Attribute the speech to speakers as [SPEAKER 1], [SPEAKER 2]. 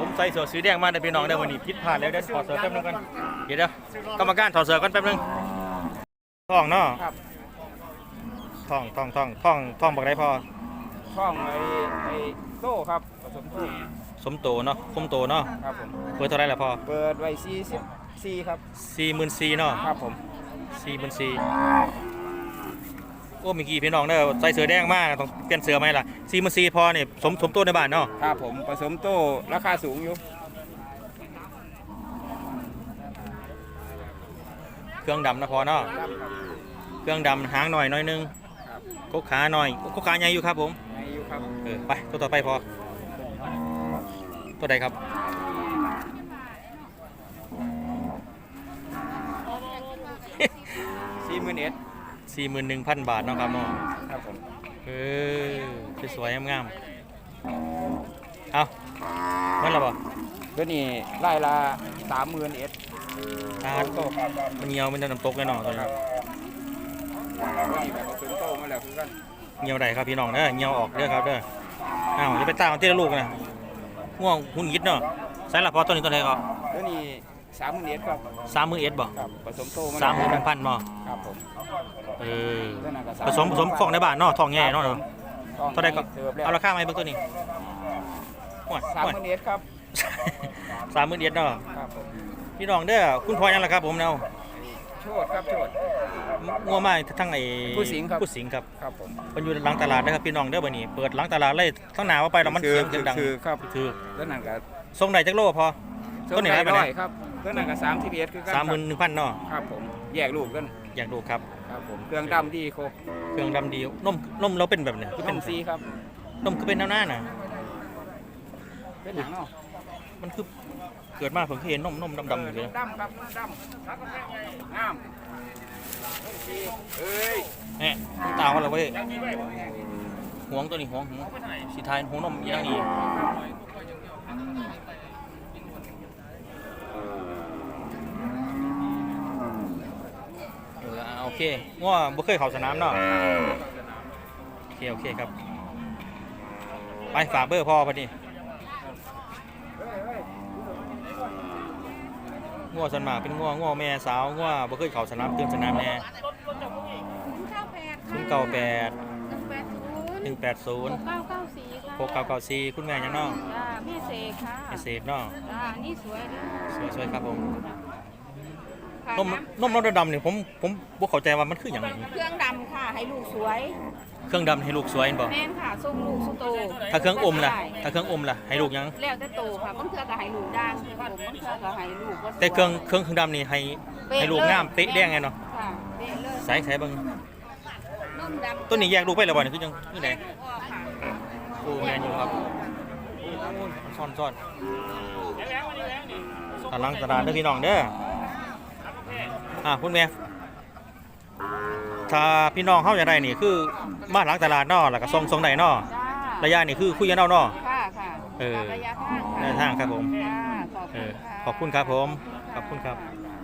[SPEAKER 1] ผมใส่เสื้อสีแดงมาได้พี่น้องได้วันนี้ผิดพลาดแล้วเดี๋ยวถอดเสื้อแป๊บนึงก่อนเดี๋ยวกรรมการถอดเสื้อกันแป๊บนึงท้องเนาะ
[SPEAKER 2] ครับ
[SPEAKER 1] ท้องบอกได้พอ
[SPEAKER 2] ช่องไอ้โต้ครับผสมโต้
[SPEAKER 1] สมโตเนาะคมโตเนาะ
[SPEAKER 2] ครับผม
[SPEAKER 1] เปิดเท่าไรล่ะพอ
[SPEAKER 2] เปิดไว้44ครับ
[SPEAKER 1] 44,000เนาะ
[SPEAKER 2] ครับผม
[SPEAKER 1] 44,000โอ้เมื่อกี้พี่น้องเด้อใส่เสื้อแดงมากต้องเปลี่ยนเสื้อไหมล่ะ44,000พอนี่สมโตในบ้านเนาะ
[SPEAKER 2] ครับผมผสมโต้ราคาสูงอยู่
[SPEAKER 1] เครื่องดำนะพอเนาะเครื่องดำหางหน่อยนึงกกขาหน่อยกกขาใหญ่อยู่ครับผมไปตัวต่อไปพอตัวใดครับ
[SPEAKER 2] 41,000
[SPEAKER 1] บาทเนาะครับเนาะ
[SPEAKER 2] ครับผม
[SPEAKER 1] สวยๆงามๆเอาเมื่อไรบ่
[SPEAKER 2] ตัวนี้ไล่ละ31,000
[SPEAKER 1] มันเงียวมันจะน้ำตกแน่นอนตัวนี้เงียวใดครับพี่น้องเด้อเงียวออกเด้อครับเด้ออ้าวจะไปตามที่ละลูกนะง่วงหุ่นยิดเนาะใส่ละพอตัวนี้ตัวไหนก็
[SPEAKER 2] ตัวนี้31,000ครับ
[SPEAKER 1] 31,000บ่
[SPEAKER 2] ครับผสมโต
[SPEAKER 1] มา31,000บ่
[SPEAKER 2] ครับผม
[SPEAKER 1] ผสมของในบ้านเนาะทองแง่เนาะเท่าใดก็เอาราคามาให้เบิ่งตัวนี้
[SPEAKER 2] 31,000ครับ
[SPEAKER 1] 31,000เนาะ
[SPEAKER 2] ครับผม
[SPEAKER 1] พี่น้องเด้อคุณพ่อยังล่ะครับผมเนาะ
[SPEAKER 2] โชดครับโชด
[SPEAKER 1] งัวมาทั้งไอ้
[SPEAKER 2] ผู้สิงครับ
[SPEAKER 1] ครับผมมันอยู่หลังตลาดนะครับพี่น้องเด้อบัดนี้เปิดหลังตลาดเลยทั้งหน้าว่าไปแล้วมันเสียงดัง
[SPEAKER 2] ครับ
[SPEAKER 1] ถือ
[SPEAKER 2] แล้วนั่นก็
[SPEAKER 1] ส่งได้จักโลพอ
[SPEAKER 2] ตัวนี้ได้ครับตัวนั้นก็31,000คือกัน
[SPEAKER 1] 31,000เนาะ
[SPEAKER 2] ครับผมแยกลูกกัน
[SPEAKER 1] แยกลูกครับ
[SPEAKER 2] ครับผมเครื่องดำดีครบ
[SPEAKER 1] เครื่องดำดีนมเราเป็นแบบเนี่ย
[SPEAKER 2] คือเป็นสีครับ
[SPEAKER 1] นมคือเป็นหน้าน่ะ
[SPEAKER 2] เป็นหนังเนาะ
[SPEAKER 1] มันคือเกิดมาผมเห็นนมดำอยู่เลย
[SPEAKER 2] ดำครับดำงาม
[SPEAKER 1] เนี่ยตาวเราเว้ยห่วงตัวนี้ห่วงสีไทยห่วงนมยี่นั่งนี่โอเคง้อบ่เคยเข้าสนามเนาะโอเคครับไปฝากเบอร์พ่อพอดีง้อสันมาเป็นง้อแม่สาวง้อบ่เคยเข้าสนามเตือนสนามแน่098 6994คุณแม่ยังน้อง
[SPEAKER 3] แม่เสกค่ะ
[SPEAKER 1] แม่เสกน้อง
[SPEAKER 3] นี่สวย
[SPEAKER 1] ครับผมนมดำเนี่ยผมบ่เข้าใจว่ามันคืออย่างไร
[SPEAKER 3] เครื่องดำค่ะให้ลูกสวย
[SPEAKER 1] เครื่องดำให้ลูกสวยบ่
[SPEAKER 3] แม่นค่ะส่งลูกสุโต
[SPEAKER 1] ถ้าเครื่องอมล่ะให้ลูกยัง
[SPEAKER 3] แล้วแต่โตค่ะบางเทื่อก็ให้ลูกด่างบางเทื่อก็ให้ลูก
[SPEAKER 1] แต่เครื่องดำนี่ให้ลูกงามเป๊ะแดงไงเนาะ
[SPEAKER 3] ค่ะเป๊ะเลย
[SPEAKER 1] ใส่เบิ่ง
[SPEAKER 3] นมดำ
[SPEAKER 1] ต้นนี้แยกลูกไปแล้วบ่นี่คือจังคือไดโอ้แม่นอยู่ครับซ่อนตารางตลาดเด้อพี่น้องเด้อคุณแม่ถ้าพี่น้องเขาอยากได้นี่คือมาหลังตลาดเนาะแล้วก็ส่งได้เนาะระยะนี่คือคุยกันเอาเนาะ
[SPEAKER 3] ค่ะ
[SPEAKER 1] ระยะทางครับผมขอบคุณครับผมขอบคุณครับ